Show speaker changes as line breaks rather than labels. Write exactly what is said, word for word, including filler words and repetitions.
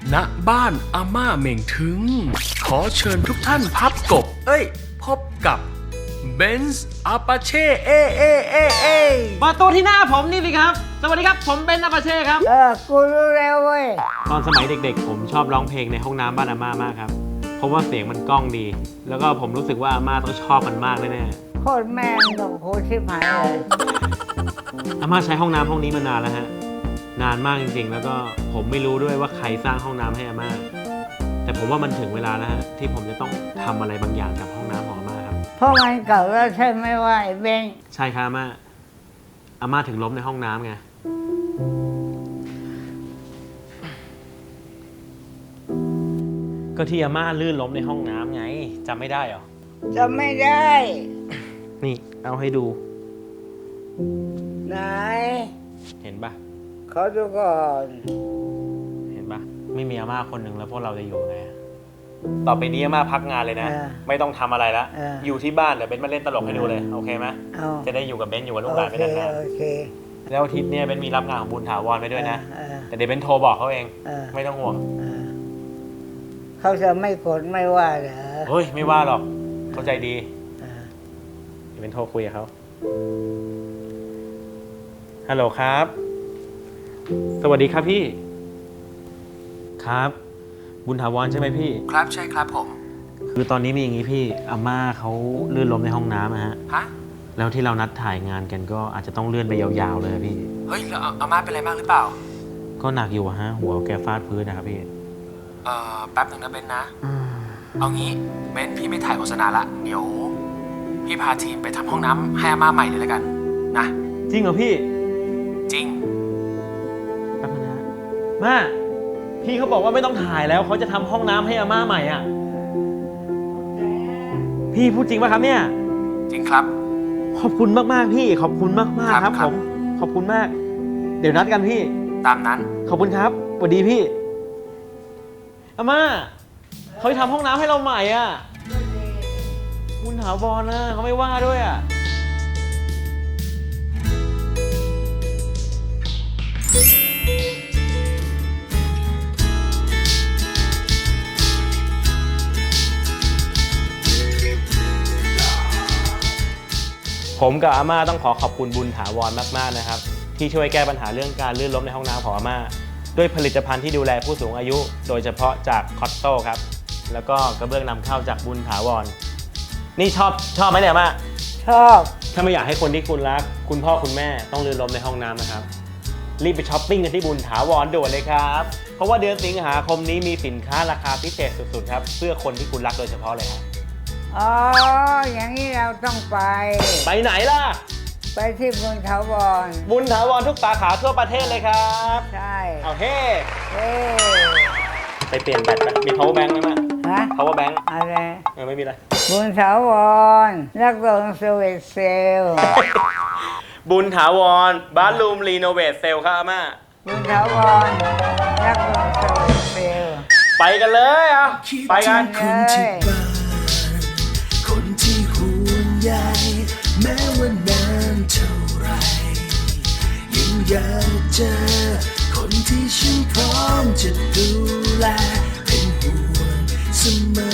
ณบ้านอาม่าเหม่งถึงขอเชิญทุกท่านพับกบเอ้ยพบกับเบนซ์อาปาเช่เอเอเอเอ
มาตัวที่หน้าผมนี่สิครับสวัสดีครับผมเบนซ์อาปาเช่ครับ
เออกูรู้แล้วเว้ย
ตอนสมัยเด็กๆผมชอบร้องเพลงในห้องน้ำบ้านอาม่ามากครับเพราะว่าเสียงมันก้องดีแล้วก็ผมรู้สึกว่าอาม่าต้องชอบมันมากแน่
ๆโคตรแม่งหนูโคตรชิบหายเลย
อาม่าใช้ห้องน้ำห้องนี้มานานแล้วฮะนานมากจริงๆแล้วก็ผมไม่รู้ด้วยว่าใครสร้างห้องน้ำให้อาม่าแต่ผมว่ามันถึงเวลาแล้วฮะที่ผมจะต้องทำอะไรบางอย่างกับห้องน้ำของอาม่าครับ
เพราะมันเก่าแล้วใช่ไหมว่าไอ้เบง
ใช่ครับอาม่าอาม่าถึงล้มในห้องน้ำไงก็ที่อาม่าลื่นล้มในห้องน้ำไงจำไม่ได้เหรอ
จำไม่ได้
นี่เอาให้ดู
ไหน
เห็นปะ
ขอดูก่อน
เห็นปะไม่มีอาม่าคนหนึ่งแล้วพวกเราจะอยู่ไงต่อไปนี้อาม่าพักงานเลยนะไม่ต้องทำอะไรละอยู่ที่บ้านเดี๋ยวเบนมาเล่นตลกให้ดูเลยโอเคไหมจะได้อยู่กับเบนอยู่กับลูกหลานไปนานๆแล้วอาทิตย์นี้เบนมีรับงานของบุญถาวรไปด้วยนะแต่เดี๋ยวเบนโทรบอกเขาเองไม่ต้องห่วง
เขาจะไม่โกรธไม่ว่าเหรอ
เฮ้ยไม่ว่าหรอกเขาใจดีเดี๋ยวเบนโทรคุยกับเขาฮัลโหลครับสวัสดีครับพี่ครับบุญถาวรใช่ไหมพี่
ครับใช่ครับผม
คือตอนนี้มีอย่างนี้พี่อาม่าเขาลื่นล้มในห้องน้ำนะฮะ
ฮะ
แล้วที่เรานัดถ่ายงานกันก็อาจจะต้องเลื่อนไปยาวๆเลยพี่
เฮ้ยแล้วอาม่าเป็นอะไรบ้างหรือเปล่า
ก็หนักอยู่ฮะหัวแกฟาดพื้นนะครับพี่
เอ่อแป๊บนึงนะเบนนะเอางี้เบนพี่ไม่ถ่ายโฆษณาละเดี๋ยวพี่พาทีมไปทำห้องน้ำให้อาม่าใหม่เลยแล้วกันนะ
จริงเหรอพี่
จริง
แป๊บนึงนะมาพี่เขาบอกว่าไม่ต้องถ่ายแล้วเขาจะทำห้องน้ำให้อาม่าใหม่อ่ะพี่พูดจริงป่ะครับเนี่ย
จริงครับ
ขอบคุณมากๆพี่ขอบคุณมากๆครับผมขอบคุณมากเดี๋ยวนัดกันพี่
ตามนั้น
ขอบคุณครับสวัสดีพี่อาม่าเขาจะทำห้องน้ำให้เราใหม่อ่ะคุณถาวรนะเขาไม่ว่าด้วยอ่ะผมกับอาม่าต้องขอขอบคุณบุญถาวรมากๆนะครับที่ช่วยแก้ปัญหาเรื่องการลื่นล้มในห้องน้ำของอาม่าด้วยผลิตภัณฑ์ที่ดูแลผู้สูงอายุโดยเฉพาะจากคอตโต้ครับแล้วก็กระเบื้องนำเข้าจากบุญถาวรนี่ชอบชอบไหมเนี่ยอาม่า
ชอบ
ถ้าไม่อยากให้คนที่คุณรักคุณพ่อคุณแม่ต้องลื่นล้มในห้องน้ำนะครับรีบไปช้อปปิ้งกันที่บุญถาวรด่วนเลยครับเพราะว่าเดือนสิงหาคมนี้มีสินค้าราคาพิเศษสุดๆครับเพื่อคนที่คุณรักโดยเฉพาะเลยครับ
อ๋ออย่างนี้เราต้องไป
ไปไหนล่ะ
ไปที่บุญถาวร
บุญถาวรทุกสาขาทั่วประเทศเลยครับ
ใช่
เอาเฮ้
เฮ้
ไปเปลี่ยนแบตไปมี power bank ไหมมั้ย
ฮะ
power bank
อะไร
เออไม่มีอะไร
บุญถาวรนักลงสวิตเซล
บุญถาวรบ้านรูมรีโนเวทเซลครับอาม่า
บุญถาวรนักลงสวิตเซล
ไปกันเลยอ่ะไปกัน
เลย
คนที่ห่วงใยแม้ว่านานเท่าไรยังอยากเจอคนที่ฉันพร้อมจะดูแลเป็นห่วงเสมอ